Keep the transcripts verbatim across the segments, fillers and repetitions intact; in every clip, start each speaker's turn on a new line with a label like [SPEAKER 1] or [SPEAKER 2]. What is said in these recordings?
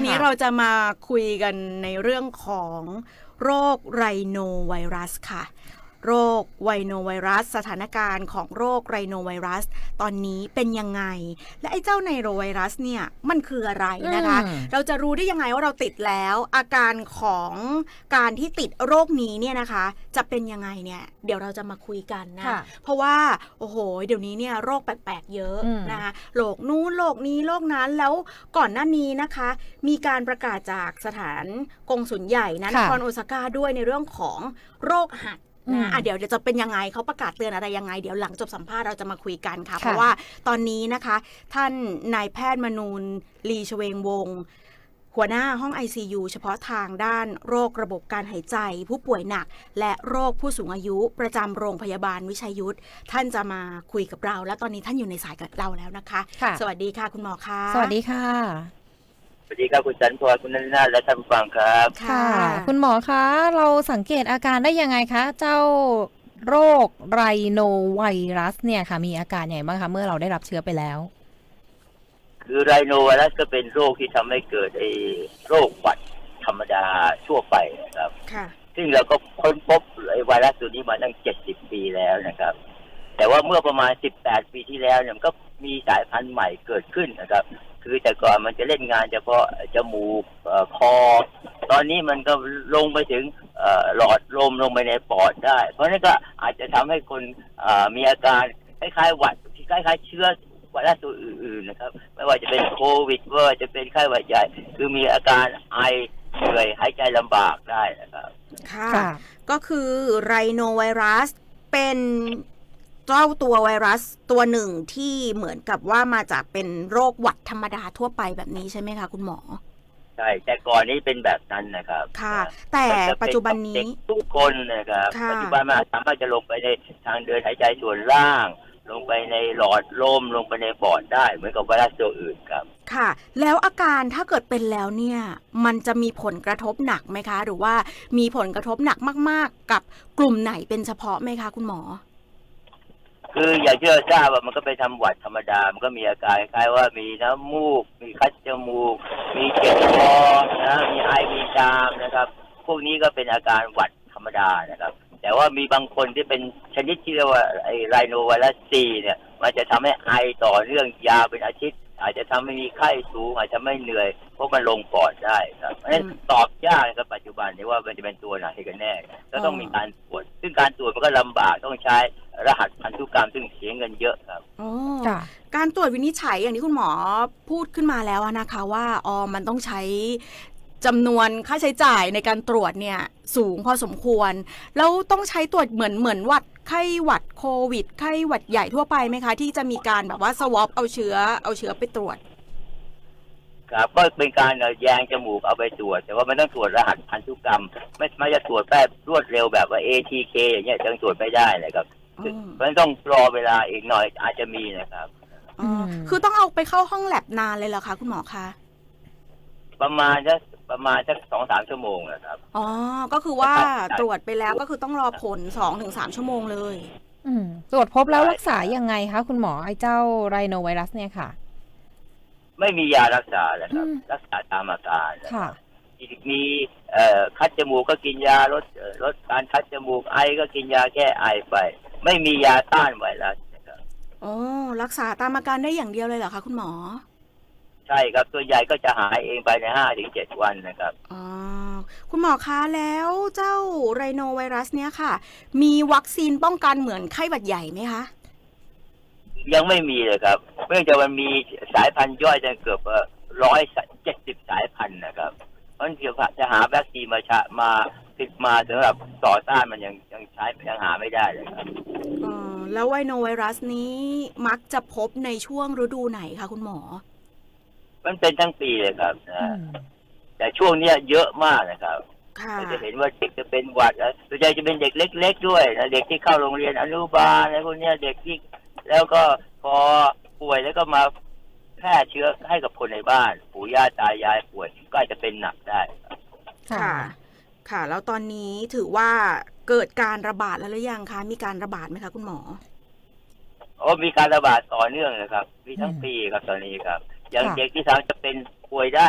[SPEAKER 1] นี้เราจะมาคุยกันในเรื่องของโรคไรโนไวรัสค่ะโรคไวโนไวรัสสถานการณ์ของโรคไรโนไวรัสตอนนี้เป็นยังไงและไอ้เจ้าไนโรไวรัสเนี่ยมันคืออะไรนะคะเราจะรู้ได้ยังไงว่าเราติดแล้วอาการของการที่ติดโรคนี้เนี่ยนะคะจะเป็นยังไงเนี่ยเดี๋ยวเราจะมาคุยกันนะเพราะว่าโอ้โหเดี๋ยวนี้เนี่ยโรคแปลกๆเยอะนะคะโรคนู้นโรคนี้โรคนั้นแล้วก่อนหน้านี้นะคะมีการประกาศจากสถานกงสุลใหญ่นะนครโอซาก้าด้วยในเรื่องของโรคหัดนะอ่ะเดี๋ยวจะเป็นยังไงเขาประกาศเตือนอะไรยังไงเดี๋ยวหลังจบสัมภาษณ์เราจะมาคุยกันค่ะเพราะว่าตอนนี้นะคะท่านนายแพทย์มนูนลีชเวงวงศ์หัวหน้าห้อง ไอ ซี ยู เฉพาะทางด้านโรคระบบการหายใจผู้ป่วยหนักและโรคผู้สูงอายุประจำโรงพยาบาลวิชัยยุทธท่านจะมาคุยกับเราและตอนนี้ท่านอยู่ในสายกับเราแล้วนะคะสวัสดีค่ะคุณหมอคะ
[SPEAKER 2] สวัสดีค่ะ
[SPEAKER 3] สวัสดีครับคุณจันทร์คุณนันทนาและท่านผู้ฟังครับ
[SPEAKER 2] ค่ะคุณหมอคะเราสังเกตอาการได้ยังไงคะเจ้าโรคไรโนไวรัสเนี่ยค่ะมีอาการอย่างไรบ้างคะเมื่อเราได้รับเชื้อไปแล้ว
[SPEAKER 3] คือไรโนไวรัสก็เป็นโรคที่ทำให้เกิดไอ้โรคหวัดธรรมดาทั่วไปนะครับค่ะซึ่งเราก็ค้นพบไอ้ไวรัสตัวนี้มาตั้งเจ็ดสิบปีแล้วนะครับแต่ว่าเมื่อประมาณสิบแปดปีที่แล้วเนี่ยมันก็มีสายพันธุ์ใหม่เกิดขึ้นนะครับคือแต่ก่อนมันจะเล่นงานเฉพาะจมูกคอตอนนี้มันก็ลงไปถึงหลอดลมลงไปในปอดได้เพราะนั้นก็อาจจะทำให้คนมีอาการคล้ายๆหวัดคล้ายๆเชื้อไวรัสตัวอื่นๆนะครับไม่ว่าจะเป็นโควิดว่าจะเป็นไข้หวัดใหญ่คือมีอาการไอเหนื่อยหายใจลำบากได้นะครับ
[SPEAKER 1] ค่ะก็คือไรโนไวรัสเป็นเจ้าตัวไวรัสตัวหนึ่งที่เหมือนกับว่ามาจากเป็นโรคหวัดธรรมดาทั่วไปแบบนี้ใช่ไหมคะคุณหมอ
[SPEAKER 3] ใช่แต่ก่อนนี้เป็นแบบนั้นนะครับ
[SPEAKER 1] ค่ะแต่ปัจจุบันนี้
[SPEAKER 3] ทุกคนนะครับปัจจุบันมันสามารถจะลงไปในทางเดินหายใจส่วนล่างลงไปในหลอดลมลงไปในปอดได้เหมือนกับไวรัสตัวอื่นครับ
[SPEAKER 1] ค่ะแล้วอาการถ้าเกิดเป็นแล้วเนี่ยมันจะมีผลกระทบหนักไหมคะหรือว่ามีผลกระทบหนักมากๆกับกลุ่มไหนเป็นเฉพาะไหมคะคุณหมอ
[SPEAKER 3] คืออย่าเชื่อทราบว่ามันก็ไปทำหวัดธรรมดามันก็มีอาการคล้ายว่ามีน้ำมูกมีคัดจมูกมีเจ็บคอนะมีไอมีจามนะครับพวกนี้ก็เป็นอาการหวัดธรรมดานะครับแต่ว่ามีบางคนที่เป็นชนิดที่เรียกว่าไอไรโนไวรัสซีเนี่ยมันจะทำให้ไอต่อเนื่องยาวเป็นอาทิตย์อาจจะทำให้มีไข้สูงอาจจะไม่เหนื่อยเพราะมันลงปอดได้ครับเพราะฉะนั้นตอบยากในปัจจุบันนี้ว่ามันจะเป็นตัวไหนกันแน่ก็ต้องมีการตรวจซึ่งการตรวจมันก็ลำบากต้องใช้รหัสพันธุกรรมซึ่งเสียเงินเยอะครับ
[SPEAKER 1] อ๋อการตรวจวินิจฉัยอย่างที่คุณหมอพูดขึ้นมาแล้วนะคะว่าอ๋อมันต้องใช้จำนวนค่าใช้จ่ายในการตรวจเนี่ยสูงพอสมควรแล้วต้องใช้ตรวจเหมือนเหมือนหวัดไข้หวัดโควิดไข้หวัดใหญ่ทั่วไปไหมคะที่จะมีการแบบว่าสวอปเอาเชื้อเอาเชื้อไปตรวจ
[SPEAKER 3] ครับก็เป็นการแยงจมูกเอาไปตรวจแต่ว่ามันต้องตรวจรหัสพันธุกรรมไม่ไม่จะตรวจแบบรวดเร็วแบบว่า เอ ที เค อย่างเงี้ยยังตรวจไม่ได้เลยครับเพราะฉะนั้นต้องรอเวลาอีกหน่อยอาจจะมีนะครับ
[SPEAKER 1] อ๋อคือต้องเอาไปเข้าห้องแลบนานเลยเหรอคะคุณหมอคะ
[SPEAKER 3] ประมาณสักประมาณสักสองสามชั่วโมงนะครับ
[SPEAKER 1] อ๋อก็คือว่าตรวจไปแล้วก็คือต้องรอผลสองถึงสามชั่วโมงเลย
[SPEAKER 2] อืมตรวจพบแล้วรักษายังไงคะคุณหมอไอ้เจ้าไรโนไวรัสเนี่ยค่ะ
[SPEAKER 3] ไม่มียารักษาเลยครับรักษาตามอาการ
[SPEAKER 2] ค่ะ
[SPEAKER 3] มีเอ่อคัดจมูกก็กินยาลดลดการคัดจมูกไอก็กินยาแก้ไอไปไม่มียาต้านไวรัสนะครับ
[SPEAKER 1] อ๋อรักษาตามอาการได้อย่างเดียวเลยเหรอคะคุณหมอ
[SPEAKER 3] ใช่ครับตัวใหญ่ก็จะหายเองไปในห้าถึงเจ็ดวันนะครับ
[SPEAKER 1] อ๋อคุณหมอคะแล้วเจ้าไรโนไวรัสเนี้ยค่ะมีวัคซีนป้องกันเหมือนไข้หวัดใหญ่ไหมคะ
[SPEAKER 3] ยังไม่มีเลยครับเนื่องจากมันมีสายพันธุ์ย่อยจนเกือบร้อยเจ็ดสิบสายพันธุ์นะครับเพราะฉะนั้นจะหาวัคซีนมาชะมาติดมาสำหรับต่อต้านมันยังยังใช้ยังหาไม่ได้เลยครับ
[SPEAKER 1] อ๋อแล้วไวโนไวรัสนี้มักจะพบในช่วงฤดูไหนคะคุณหมอ
[SPEAKER 3] มันเป็นทั้งปีเลยครับนะแต่ช่วงนี้เยอะมากนะครับเราจะเห็นว่าเด็กจะเป็นหวัดแล้วส่วนใหญ่จะเป็นเด็กเล็กๆด้วยนะเด็กที่เข้าโรงเรียนอนุบาลอะไรพวกนี้เด็กที่แล้วก็พอป่วยแล้วก็มาแพร่เชื้อให้กับคนในบ้านปู่ย่าตายายป่วยก็อาจจะเป็นหนักได้
[SPEAKER 1] ค่ะค่ะแล้วตอนนี้ถือว่าเกิดการระบาดแล้วหรือยังคะมีการระบาดไหมคะคุณหมอ
[SPEAKER 3] อ๋อมีการระบาดต่อเนื่องนะครับมีทั้งปีครับตอนนี้ครับอย่างเด็กที่สามจะเป็นป่วยได้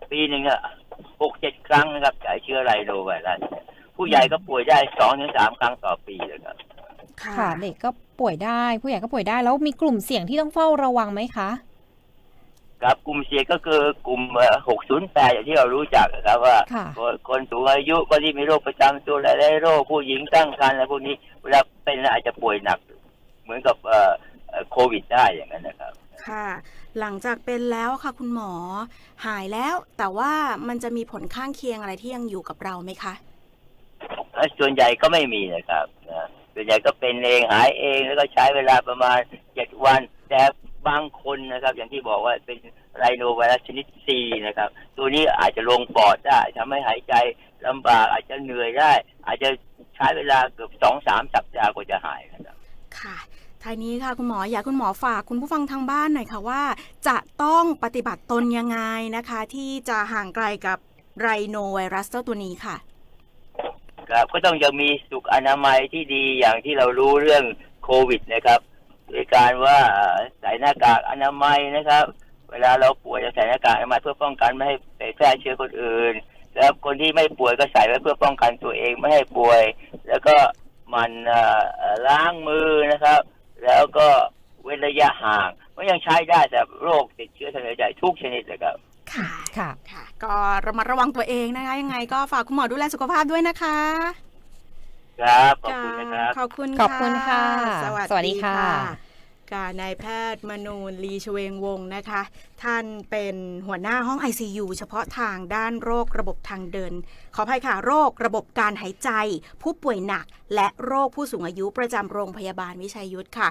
[SPEAKER 3] ปีหนึ่งอะหกเจ็ดครั้งนะครับจากเชื้อไรโนไวรัสผู้ใหญ่ก็ป่วยได้สองถึงสามครั้งต่อปีเลยครับ
[SPEAKER 2] ค่ะเด็กก็ป่วยได้ผู้ใหญ่ก็ป่วยได้แล้วมีกลุ่มเสี่ยงที่ต้องเฝ้าระวังไหมคะ
[SPEAKER 3] ครับกลุ่มเสี่ยงก็คือกลุ่มหกศูนย์แปดอย่างที่เรารู้จักนะครับว่าคนสูงอายุคนที่มีโรคประจำตัวหลายๆโรคผู้หญิงตั้งครรภ์อะไรพวกนี้เวลาเป็นแล้วอาจจะป่วยหนักเหมือนกับโควิดได้อย่างนั้นนะครับ
[SPEAKER 1] ค่ะหลังจากเป็นแล้วค่ะคุณหมอหายแล้วแต่ว่ามันจะมีผลข้างเคียงอะไรที่ยังอยู่กับเราไหมคะ
[SPEAKER 3] ส่วนใหญ่ก็ไม่มีนะครับส่วนใหญ่ก็เป็นเองหายเองแล้วก็ใช้เวลาประมาณเจ็ดวันแต่บางคนนะครับอย่างที่บอกว่าเป็นไรโนไวรัสชนิด C นะครับตัวนี้อาจจะลงปอดได้ทำให้หายใจลำบากอาจจะเหนื่อยได้อาจจะใช้เวลาเกือบ สองถึงสาม สัปดาห์กว่าจะหายนะครับ
[SPEAKER 1] ค่ะท้ายนี้ค่ะคุณหมออยากคุณหมอฝากคุณผู้ฟังทางบ้านหน่อยค่ะว่าจะต้องปฏิบัติตนยังไงนะคะที่จะห่างไกลกับไรโนไวรัสเจ้าตัวนี้ค่ะ
[SPEAKER 3] ครับก็ต้องยังมีสุขอนามัยที่ดีอย่างที่เรารู้เรื่องโควิดนะครับโดยการว่าใส่หน้ากากอนามัยนะครับเวลาเราป่วยจะใส่หน้ากากอนามัยเพื่อป้องกันไม่ให้ไปแพร่เชื้อคนอื่นแล้วคนที่ไม่ป่วยก็ใส่ไว้เพื่อป้องกันตัวเองไม่ให้ป่วยแล้วก็มันล้างมือนะครับแล้วก็เว้นระยะห่างมันยังใช้ได้แต่โรคติดเชื้อทางเดินหายใจทุกชนิดเลยครับ
[SPEAKER 1] ค่ะค่ะค่ะก็ระมัดระวังตัวเองนะคะยังไงก็ฝากคุณหมอดูแลสุขภาพด้วยนะคะ
[SPEAKER 3] ครับขอบคุณนะครับ
[SPEAKER 1] ขอบคุณ
[SPEAKER 2] ขอบคุณค่ะ
[SPEAKER 1] สวัสดีค่ะการนายแพทย์มนูนลีชเวงวงศ์นะคะท่านเป็นหัวหน้าห้อง ไอ ซี ยู เฉพาะทางด้านโรคระบบทางเดินขออภัยค่ะโรคระบบการหายใจผู้ป่วยหนักและโรคผู้สูงอายุประจำโรงพยาบาลวิชัยยุทธค่ะ